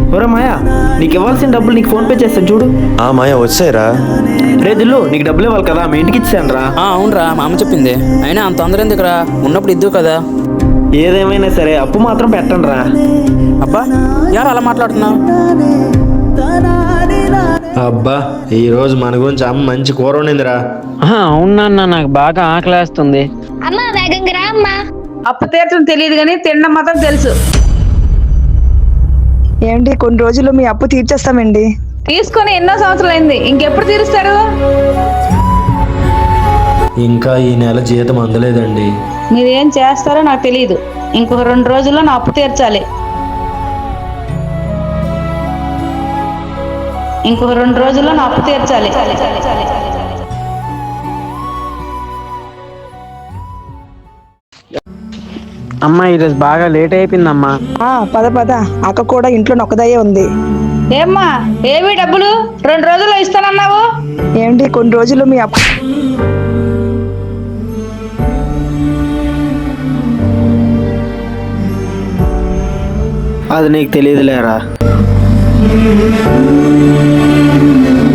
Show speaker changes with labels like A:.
A: ఒరే మాయా, నీకు ఇవ్వాల్సిన డబ్బులు నీకు ఫోన్ పే చేస్తాను చూడు.
B: మాయా వచ్చాయిరా.
A: రే దిల్లు, నీకు డబ్బులు ఇవ్వాలి కదా, మీ ఇంటికి ఇచ్చాను రా.
C: అవునరా, మా అమ్మ చెప్పింది. అయినా అంత తొందర ఎందుకురా, ఉన్నప్పుడు ఇద్దు కదా.
A: ఏదేమైనా సరే అప్పు మాత్రం పెట్టండి రా.
C: అబ్బా, ఎవరు అలా మాట్లాడుతున్నావు?
B: అబ్బా, ఈ రోజు మన గురించి అమ్మ మంచి కూర వండిందిరా.
D: అవునా, నాకు బాగా ఆకలేస్తుంది.
E: అమ్మా వేగంగా రా అమ్మా.
F: అప్పు తీర్చడం తెలియదు కానీ తినడం మాత్రం తెలుసు.
G: ఏంటి, కొన్ని రోజుల్లో మీ అప్పు తీర్చేస్తామండి.
F: తీసుకొని ఎన్నో సంవత్సరాలు అయింది, ఇంకెప్పుడు తీరుస్తారు?
B: ఇంకా ఈ నెల జీతం అందలేదండి.
F: మీరు ఏం చేస్తారో నాకు తెలియదు. ఇంకొక 2 రోజుల్లో నా అప్పు తీర్చాలి. ఇంకొక 2 రోజుల్లో నా అప్పు తీర్చాలి.
D: అమ్మా, ఈరోజు బాగా లేట్ అయిపోయిందమ్మా.
G: పద పద, అక్క కూడా ఇంట్లో నొక్కదయ్యే ఉంది.
F: ఏమ్మా, ఏవి డబ్బులు 2 రోజుల్లో ఇస్తానన్నావు?
G: ఏంటి, కొన్ని రోజుల్లో మీ అప్పు
A: అది నీకు తెలియదులేరా.